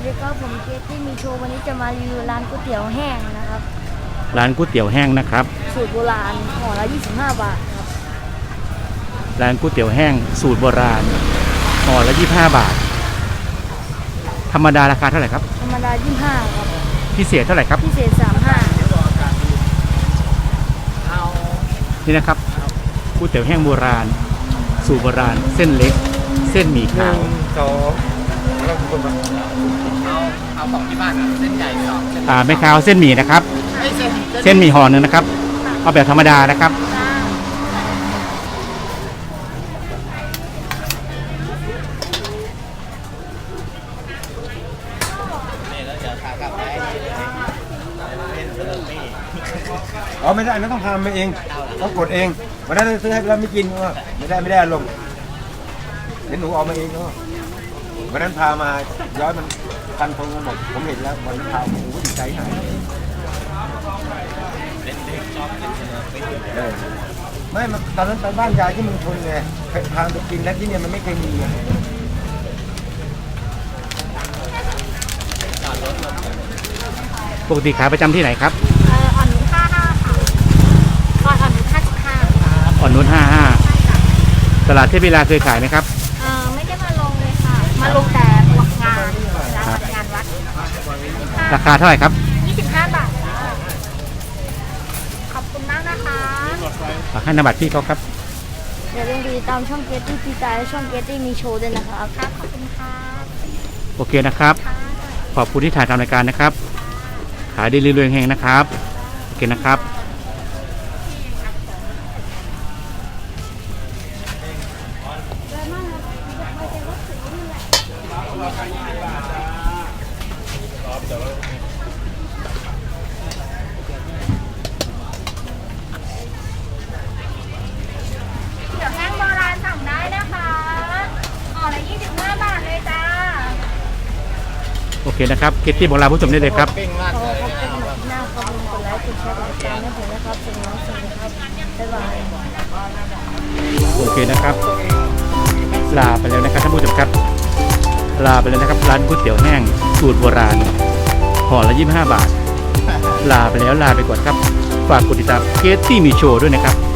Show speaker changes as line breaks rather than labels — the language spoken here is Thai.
ดีครับผมเกตที่มีโชว์วันนี้จะมารีวิวร้านก๋วยเตี๋ยวแห้งนะครับ
ร้านก๋วยเตี๋ยวแห้งนะครับ
สูตรโบราณห่อละ25 บาทครับ
ร้านก๋วยเตี๋ยวแห้งสูตรโบราณห่อละ25 บาทธรรมดาราคาเท่าไหร่ครับ
ธรรมดา25ครับ
พิเศษเท่าไหร่ครับ
พิเศษ35
นี่นะครับก๋วยเตี๋ยวแห้งโบราณสูตรโบราณเส้นเล็กเส้นหมี่ขาว
แล้วคุณมาเอาของที่บ้านเส้นใหญ่2
ไม่ขาวเส้นหมี่นะครับเส้นหมี่ห่อหนึ่งนะครับเอาแบบธรรมดานะครับ
ไม่ได้ไม่ต้องทำมาเองต้องกดเองวันนั้นซื้อให้เราไม่กินก็ไม่ได้ลงเห็นหนูออกมาเองก็วันนั้นพามาย้อยมันพันพงกันหมดผมเห็นแล้ววันนั้นพาผมก็ดีใจหายไม่ตอนนั้นไปบ้านยายที่เมืองชนไงพาไปกินแล้วที่เนี่ยมันไม่เคยมี
ปกติขายประจำที่ไหนครับ
อ่อนนุช55ค่ะอ่อนนุช55ครับ
อ่อนนุช55ตลาดเทพวิลาเคยขายไหมครับ
ไม่ได้มาลงเลยค่ะมาลงแต่งานวัด
ราคาเท่าไหร่ครับ
25 บาทขอบคุณมากนะคะ
ฝากให้นามบัตรพี่เขาครับ
อย่าลืมติดตามช่องเกตตี้พีตาและช่องเกตตี้มีโชว์ด้วยนะครับครับขอบคุณค่ะ
โอเคนะครับขอบคุณที่ถ่ายทำรายการนะครับขายดีเรื่อยๆแห่งนะครับโอเคนะครับ
เดี๋ยวแห้งโบราณสั่งได้นะคะห่อละ25 บาทเลยจ้า
โอเคนะครับเกตตี้บอกลาผู้ชมได้เลยครับ
ขอขอบคุณหน้าขอบคุณกดไลค์กดแชร์กดติดตามให้ผมนะครับสวัสดีครับบ๊ายบาย
โอเคนะครับลาไปแล้วนะครับท่านผู้ชมครับลาไปแล้วนะครับร้านก๋วยเตี๋ยวแห้งสูตรโบราณห่อละ25 บาทลาไปแล้วลาไปก่อนครับฝากกดติดตามเกตตี้มีโชว์ด้วยนะครับ